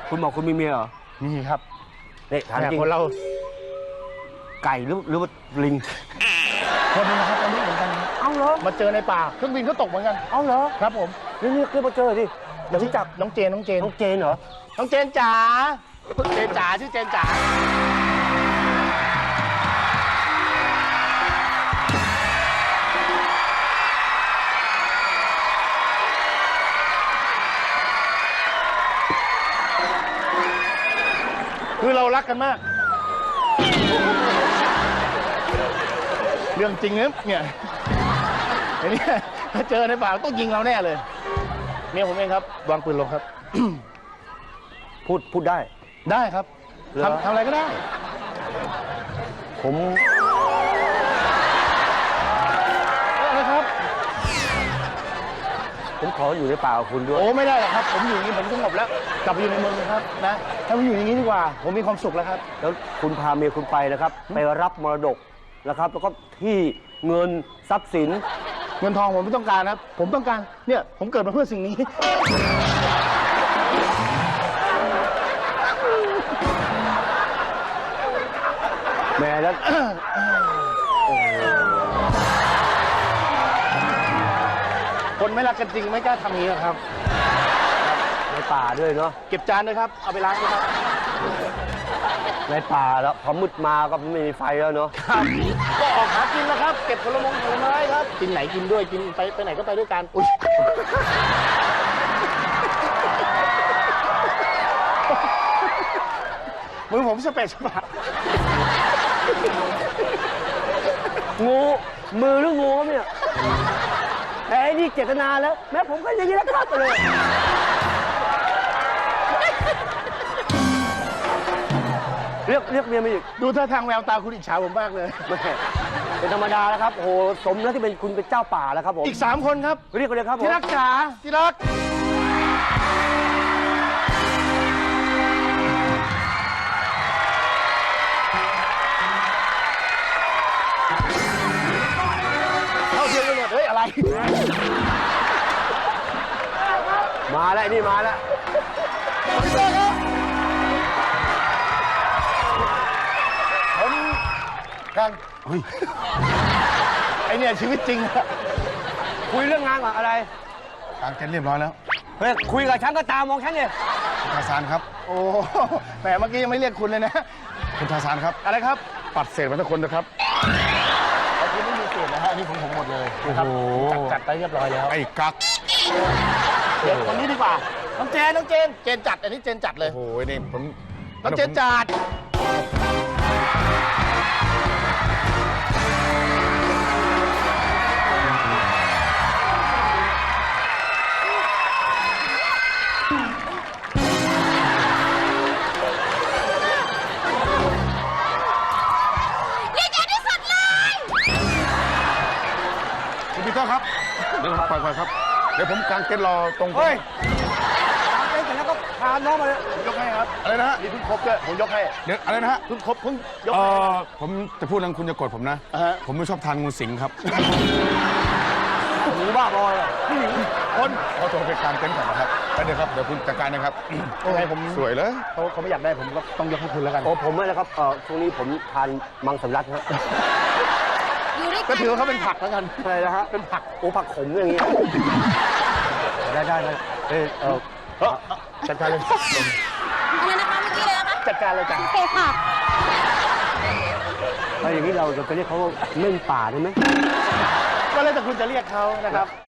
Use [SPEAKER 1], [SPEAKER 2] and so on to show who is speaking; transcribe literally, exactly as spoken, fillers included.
[SPEAKER 1] คุณบอกคุณมีเมียเหรอ
[SPEAKER 2] มีครับ
[SPEAKER 1] เนี่ยถามจริง
[SPEAKER 2] คนเรา
[SPEAKER 1] ไก่หรือหรือว่าลิง
[SPEAKER 2] คนนึงนะครับตอนนี้เหมือนกัน
[SPEAKER 1] เอาเหรอ
[SPEAKER 2] มาเจอในป่าเครื่องบินก็ตกเหมือนกัน
[SPEAKER 1] เอาเหรอ
[SPEAKER 2] ครับผม
[SPEAKER 1] นี่นี่คือมาเจอดิเดี๋ยวพี่จับ
[SPEAKER 2] น้องเจนน้องเจน
[SPEAKER 1] น้องเจนเหรอ
[SPEAKER 2] น้องเจนจ๋าเจนจ๋าชื่อเจนจ๋าคือเรารักกันมากเรื่องจริงนะเนี่ยไอ้นี่ถ้าเจอในป่าต้องยิงเราแน่เลยเมียผมเองครับวางปืนลงครับ
[SPEAKER 1] พูดพูดได้
[SPEAKER 2] ได้ครับทำทำอะไรก็ได้
[SPEAKER 1] ผม
[SPEAKER 2] อะไรครับ
[SPEAKER 1] ผมขออยู่ในป่ากับคุณด้วย
[SPEAKER 2] โอ้ไม่ได้หรอกครับผมอยู่อย่างนี้ผมสงบแล้วกลับไปอยู่ในเมืองครับนะถ้าผมอยู่อย่างนี้ดีกว่าผมมีความสุขแล้วครับ
[SPEAKER 1] แล้วคุณพาเมียคุณไปนะครับไปรับมรดกนะครับแล้วก็ที่เงินทรัพย์สิน
[SPEAKER 2] เงินทองผมไม่ต้องการครับผมต้องการเนี่ยผมเกิดมาเพื่อสิ่งนี้
[SPEAKER 1] แม่แล้ว
[SPEAKER 2] คนไม่รักกันจริงไม่กล้าทำอย่างนี้ครับ
[SPEAKER 1] ในป่าด้วยเนาะ
[SPEAKER 2] เก็บจานด้วยครับเอาไปล้างด้วยครับ
[SPEAKER 1] ในป่าแล้วพอมืดมาก็ไม่มีไฟแล้วเนาะ
[SPEAKER 2] ครับก็ออกหากินแล้วครับเก็บผลมงผลไม้ครับกินไหนกินด้วยกินไปไปไหนก็ไปด้วยกันอุ้ยมือผมสเปซสปะ
[SPEAKER 1] งูมือหรืองูเนี่ยแต่ไอ้นี่เจตนาแล้วแม้ผมก็อย่างนี้แล้วครับไปเลยเรียกเรียกเมียมาอีก
[SPEAKER 2] ดูท่าทางแววตาคุณอิจฉาผมมากเลย
[SPEAKER 1] เป็นธรรมดาแล้วครับโอ้โหสมแล้วที่เป็นคุณเป็นเจ้าป่าแล้วครับผม
[SPEAKER 2] อีกสามคนครับ
[SPEAKER 1] เรียกเลยครับ
[SPEAKER 2] ที่รักจ๋าที่รักเข้าเทียมกันหมดเฮ้ยอะไร
[SPEAKER 1] มาแล้วนี่มาแล้ว
[SPEAKER 2] ผมกันเฮ้ยไอเนี่ยชีวิตจริงอะ
[SPEAKER 1] คุยเรื่องงานกับอะไร
[SPEAKER 2] กางเต็นท์เรียบร้อยแล้ว
[SPEAKER 1] เฮ้ยคุยกับฉันก็ตามมองฉันเนี่ย
[SPEAKER 2] คุณทาซานครับโอ้แหมเมื่อกี้ยังไม่เรียกคุณเลยนะคุณทาซานครับอะไรครับปัดเศษมาทุกคนนะครับไอ้คุณไม่มีเศษนะฮะนี่ของผมหมดเลยนะครับจัดไปเรียบร้อยแล้ว
[SPEAKER 3] ไอ้กั๊ก
[SPEAKER 2] เดี๋ยวคนนี้ดีกว่าน้องเจนน้องเจนเจนจัดอันนี้เจนจัดเลย
[SPEAKER 3] โอ้โหนี่ผม
[SPEAKER 2] น้องเจนจัด
[SPEAKER 3] คุณปีเตอร์ครับเดี๋ยวปล่อยปล่อยครับเดี๋ยวผมกางเต็นท์รอตรง
[SPEAKER 1] เฮ้ยกางเต็นท์เสร็จแล้วก็พาน้องมาเลย
[SPEAKER 2] ผมยกให้ครับ
[SPEAKER 3] อะไรนะฮะ
[SPEAKER 2] นี่เพิ่งครบด้วยผมยกให้
[SPEAKER 3] เดี๋ยวอะไรนะฮะ
[SPEAKER 2] เพิ่งครบเพิ่งยก
[SPEAKER 3] เอ
[SPEAKER 2] ให้
[SPEAKER 3] อผมจะพูดแล้วคุณจะโกรธผมนะผมไม่ชอบทานงูสิงครับ
[SPEAKER 1] หนูบ้าบอย
[SPEAKER 3] คนขอตัวไปกางเต็นท์ก่อนนะครับแล้วเดี๋ยวครับเดี๋ยวคุณจัดการนะครับ
[SPEAKER 2] โอ้ยผม
[SPEAKER 3] สวยเลย
[SPEAKER 2] เขาเขาไม่อยากได้ผมก็ต้องยกให้คุณแล้วกัน
[SPEAKER 1] โอ้ผมไม่แล้วครับเออช่วงนี้ผมทานมังสวิรัติครับ
[SPEAKER 2] ก็ถือว่าเขาเป็นผักแล้วกัน
[SPEAKER 1] อะไรนะฮะ
[SPEAKER 2] เป็นผัก
[SPEAKER 1] โอ้ผักขมอย่างเงี้ยได้ได้ได้เออเออ
[SPEAKER 2] จัดการเลย
[SPEAKER 4] อะไรนะคะเมื่อกี้เลยนะคะ
[SPEAKER 2] จัดการเลยจ้ะ
[SPEAKER 4] โอเคค่ะ
[SPEAKER 1] แล้วอย่างนี้เราจะเรียกเขาเม่นป่าได้ไหม
[SPEAKER 2] ก็แล้วแต่คุณจะเรียกเขานะครับ